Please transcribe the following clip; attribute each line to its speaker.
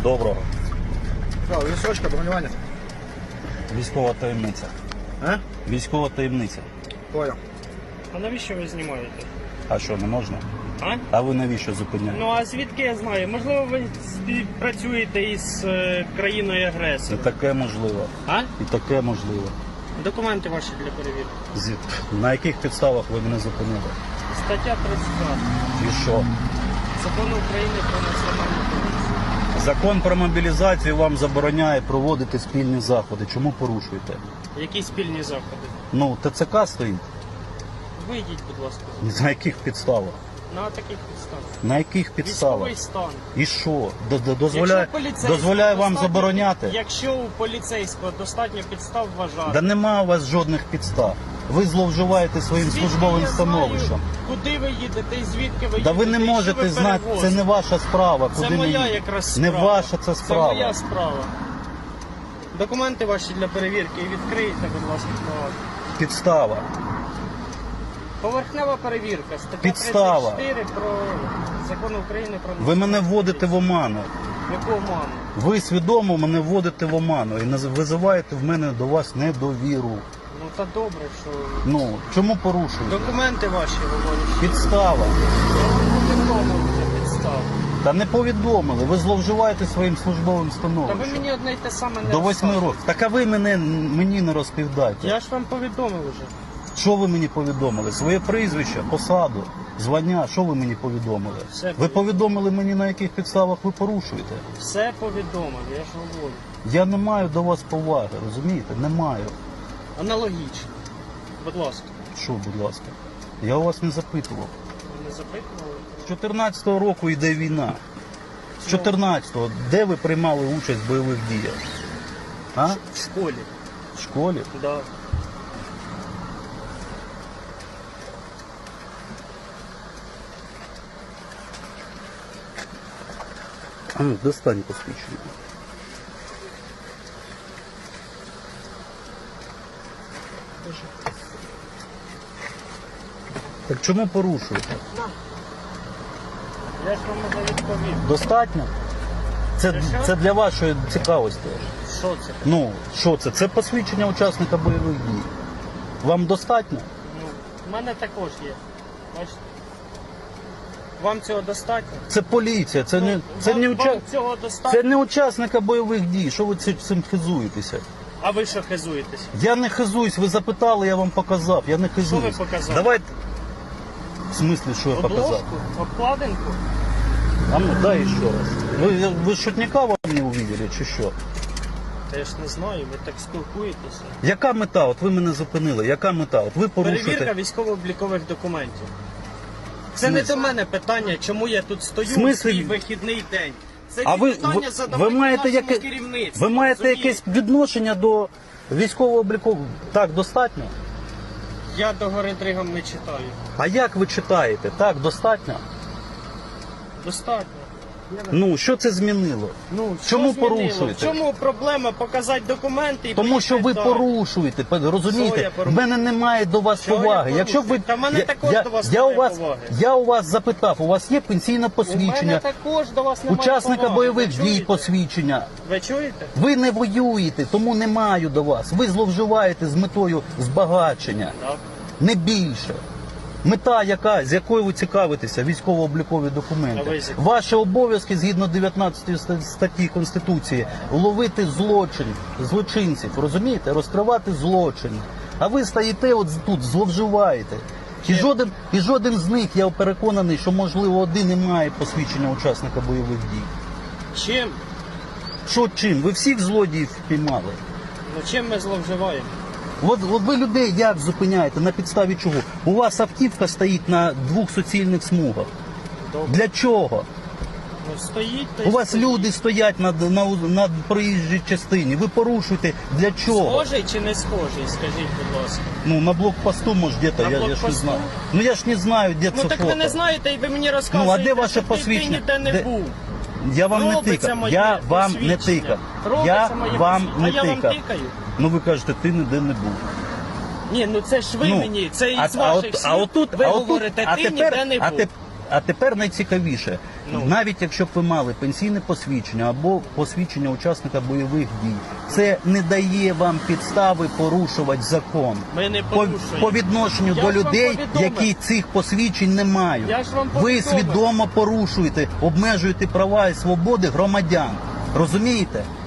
Speaker 1: Доброго.
Speaker 2: Що, лісочка, бронювання?
Speaker 1: Військова таємниця.
Speaker 2: А?
Speaker 1: Військова таємниця.
Speaker 2: Понял.
Speaker 3: А навіщо ви знімаєте?
Speaker 1: А що, не можна?
Speaker 3: А?
Speaker 1: А ви навіщо зупиняєте?
Speaker 3: Ну а звідки я знаю? Можливо, ви співпрацюєте із країною
Speaker 1: І
Speaker 3: агресором.
Speaker 1: таке можливо.
Speaker 3: А?
Speaker 1: І таке можливо.
Speaker 3: Документи ваші для перевірки.
Speaker 1: На яких підставах ви мене зупинили?
Speaker 3: Стаття 32
Speaker 1: І що?
Speaker 3: Закону України про національну поліцію.
Speaker 1: Закон про мобілізацію вам забороняє проводити спільні заходи. Чому порушуєте?
Speaker 3: Які спільні заходи?
Speaker 1: Ну, ТЦК стоїть.
Speaker 3: Вийдіть, будь ласка.
Speaker 1: На яких підставах?
Speaker 3: На таких підставах.
Speaker 1: На яких підставах?
Speaker 3: Військовий стан.
Speaker 1: І що? Дозволяє,
Speaker 3: Якщо поліцейського
Speaker 1: дозволяє вам
Speaker 3: достатньо-
Speaker 1: забороняти?
Speaker 3: Якщо у поліцейського достатньо підстав вважати.
Speaker 1: Да нема у вас жодних підстав. Ви зловживаєте своїм
Speaker 3: Звідки
Speaker 1: службовим
Speaker 3: я
Speaker 1: становищем.
Speaker 3: знаю, куди ви їдете і звідки ви
Speaker 1: Да
Speaker 3: їдете?
Speaker 1: ви не
Speaker 3: і що
Speaker 1: можете
Speaker 3: ви
Speaker 1: знати, це
Speaker 3: перевозите?
Speaker 1: не ваша справа.
Speaker 3: Це
Speaker 1: Куди
Speaker 3: моя
Speaker 1: мені?
Speaker 3: якраз
Speaker 1: Не
Speaker 3: справа.
Speaker 1: ваша це справа.
Speaker 3: Це моя справа. Документи ваші для перевірки і відкрийте, будь ласка, справа.
Speaker 1: Підстава.
Speaker 3: Поверхнева перевірка. Стаття
Speaker 1: Підстава.
Speaker 3: 34 про Закон України про...
Speaker 1: Ви мене вводите в оману.
Speaker 3: Яку оману?
Speaker 1: Ви свідомо мене вводите в оману і визиваєте в мене до вас недовіру.
Speaker 3: Ну та добре, що...
Speaker 1: Ну, чому порушуєте?
Speaker 3: Документи ваші говорять.
Speaker 1: Підстава.
Speaker 3: Повідомили вже підстав.
Speaker 1: Та не повідомили, ви зловживаєте своїм службовим
Speaker 3: Та ви
Speaker 1: становищем.
Speaker 3: мені одне й те саме не
Speaker 1: До 8
Speaker 3: розказуєте.
Speaker 1: років. Так а ви мені не розповідайте.
Speaker 3: Я ж вам повідомив вже.
Speaker 1: Що ви мені повідомили? Своє прізвище, посаду, звання, що ви мені повідомили?
Speaker 3: Все
Speaker 1: Ви повідомили мені, на яких підставах ви порушуєте?
Speaker 3: Все повідомив, я ж говорю.
Speaker 1: Я не маю до вас поваги, розумієте? Не маю.
Speaker 3: Аналогічно. Будь ласка.
Speaker 1: Що, будь ласка? Я у вас не запитував.
Speaker 3: Ви не запитували?
Speaker 1: З 14-го року йде війна. З 14-го, де ви приймали участь в бойових діях? А?
Speaker 3: В школі.
Speaker 1: В школі?
Speaker 3: Да.
Speaker 1: А ну, достань посвідчення. Так чому порушуєте?
Speaker 3: Я ж вам вже відповів.
Speaker 1: Достатньо? Це для вашої цікавості.
Speaker 3: Що це?
Speaker 1: Ну, що це? Це посвідчення учасника бойових дій. Вам достатньо?
Speaker 3: Ну, в мене також є. Бачите? Вам цього достатньо?
Speaker 1: Це поліція, це не,
Speaker 3: вам цього достатньо?
Speaker 1: це не учасника бойових дій. Що ви цим хизуєтеся?
Speaker 3: А ви що хизуєтесь?
Speaker 1: Я не хизуюсь, ви запитали, я вам показав. Я не хизуюсь.
Speaker 3: Що ви показали?
Speaker 1: Давайте. В смислі, що я показав?
Speaker 3: Обложку? Обкладинку?
Speaker 1: А ну дай ще раз. Ви шутника вам не увидели, чи що?
Speaker 3: Та я ж не знаю, ви так спілкуєтеся.
Speaker 1: Яка мета? От ви мене зупинили. Яка мета? От ви
Speaker 3: Перевірка
Speaker 1: порушуєте.
Speaker 3: військово-облікових документів. Це не
Speaker 1: Смисл?
Speaker 3: до мене питання, чому я тут стою в
Speaker 1: Смислі?
Speaker 3: свій вихідний день. Це
Speaker 1: А ви,
Speaker 3: питання
Speaker 1: ви
Speaker 3: задавайте
Speaker 1: маєте,
Speaker 3: нашому керівництву.
Speaker 1: ви маєте
Speaker 3: розумієте?
Speaker 1: якесь відношення до військового обліку? Так, достатньо?
Speaker 3: Я до гори дригом не читаю.
Speaker 1: А як ви читаєте? Так, достатньо?
Speaker 3: Достатньо.
Speaker 1: Ну, що це змінило?
Speaker 3: Ну,
Speaker 1: Чому
Speaker 3: що змінило?
Speaker 1: порушуєте?
Speaker 3: В чому проблема показати документи і
Speaker 1: Тому що ви
Speaker 3: поїхати далі?
Speaker 1: порушуєте,
Speaker 3: Що я
Speaker 1: розумієте? В
Speaker 3: порушую?
Speaker 1: мене немає до вас
Speaker 3: Що я
Speaker 1: поваги.
Speaker 3: порушую?
Speaker 1: Якщо б ви
Speaker 3: Та в мене також до вас
Speaker 1: я
Speaker 3: немає
Speaker 1: у вас
Speaker 3: поваги.
Speaker 1: я у вас запитав, у вас є пенсійне
Speaker 3: У мене
Speaker 1: посвідчення,
Speaker 3: також до вас немає
Speaker 1: учасника
Speaker 3: поваги.
Speaker 1: бойових
Speaker 3: Ви
Speaker 1: дій
Speaker 3: чуєте?
Speaker 1: посвідчення.
Speaker 3: Ви чуєте?
Speaker 1: Ви не воюєте, тому не маю до вас. Ви зловживаєте з метою збагачення,
Speaker 3: Так.
Speaker 1: не більше. Мета, з якою ви цікавитеся, військово-облікові
Speaker 3: А
Speaker 1: документи.
Speaker 3: ви з якою?
Speaker 1: Ваші обов'язки, згідно 19 статті Конституції, ловити злочинців, розумієте? Розкривати злочин. А ви стоїте от тут, зловживаєте. І жоден з них, я переконаний, що, можливо, один і має посвідчення учасника бойових дій.
Speaker 3: Чим?
Speaker 1: Що чим? Ви всіх злодіїв впіймали.
Speaker 3: Ну чим ми зловживаємо?
Speaker 1: От ви людей як зупиняєте? На підставі чого? У вас автівка стоїть на 2 суцільних смугах.
Speaker 3: Добре.
Speaker 1: Для чого?
Speaker 3: Ну стоїть та й
Speaker 1: У вас
Speaker 3: стоїть.
Speaker 1: люди стоять на проїжджій частині. Ви порушуєте. Для чого?
Speaker 3: Схожий чи не схожий, скажіть, будь ласка.
Speaker 1: Ну, на блокпосту, може, где-то,
Speaker 3: На
Speaker 1: я ж не
Speaker 3: блокпосту?
Speaker 1: знаю. Ну, я ж не знаю, де
Speaker 3: Ну
Speaker 1: це
Speaker 3: так
Speaker 1: фото.
Speaker 3: ви не знаєте і ви мені розказуєте,
Speaker 1: Ну, а де ваше
Speaker 3: що ти
Speaker 1: посвідчення?
Speaker 3: ніде не
Speaker 1: Де?
Speaker 3: був.
Speaker 1: Я вам не
Speaker 3: Робиться
Speaker 1: тикав.
Speaker 3: моє
Speaker 1: Я вам не
Speaker 3: посвідчення.
Speaker 1: тикав.
Speaker 3: Робиться
Speaker 1: Я
Speaker 3: моє
Speaker 1: вам
Speaker 3: посвідчення.
Speaker 1: не
Speaker 3: А я вам
Speaker 1: тикав.
Speaker 3: тикаю?
Speaker 1: Ну, ви кажете, ти ніде не був.
Speaker 3: Ні, ну це ж ви
Speaker 1: Ну,
Speaker 3: мені, це із
Speaker 1: а
Speaker 3: ваших
Speaker 1: от-
Speaker 3: слів.
Speaker 1: а отут-
Speaker 3: ви
Speaker 1: а отут-
Speaker 3: говорите,
Speaker 1: а
Speaker 3: ти
Speaker 1: тепер-
Speaker 3: ніде не
Speaker 1: а
Speaker 3: був.
Speaker 1: теп- А тепер найцікавіше.
Speaker 3: Ну.
Speaker 1: Навіть якщо б ви мали пенсійне посвідчення або посвідчення учасника бойових дій, це не дає вам підстави порушувати закон.
Speaker 3: Ми не
Speaker 1: По,
Speaker 3: порушуємо.
Speaker 1: по відношенню
Speaker 3: Я
Speaker 1: до
Speaker 3: ж вам
Speaker 1: людей,
Speaker 3: повідомив.
Speaker 1: які цих посвідчень не мають.
Speaker 3: Я ж вам
Speaker 1: Ви
Speaker 3: повідомив.
Speaker 1: свідомо порушуєте, обмежуєте права і свободи громадян. Розумієте?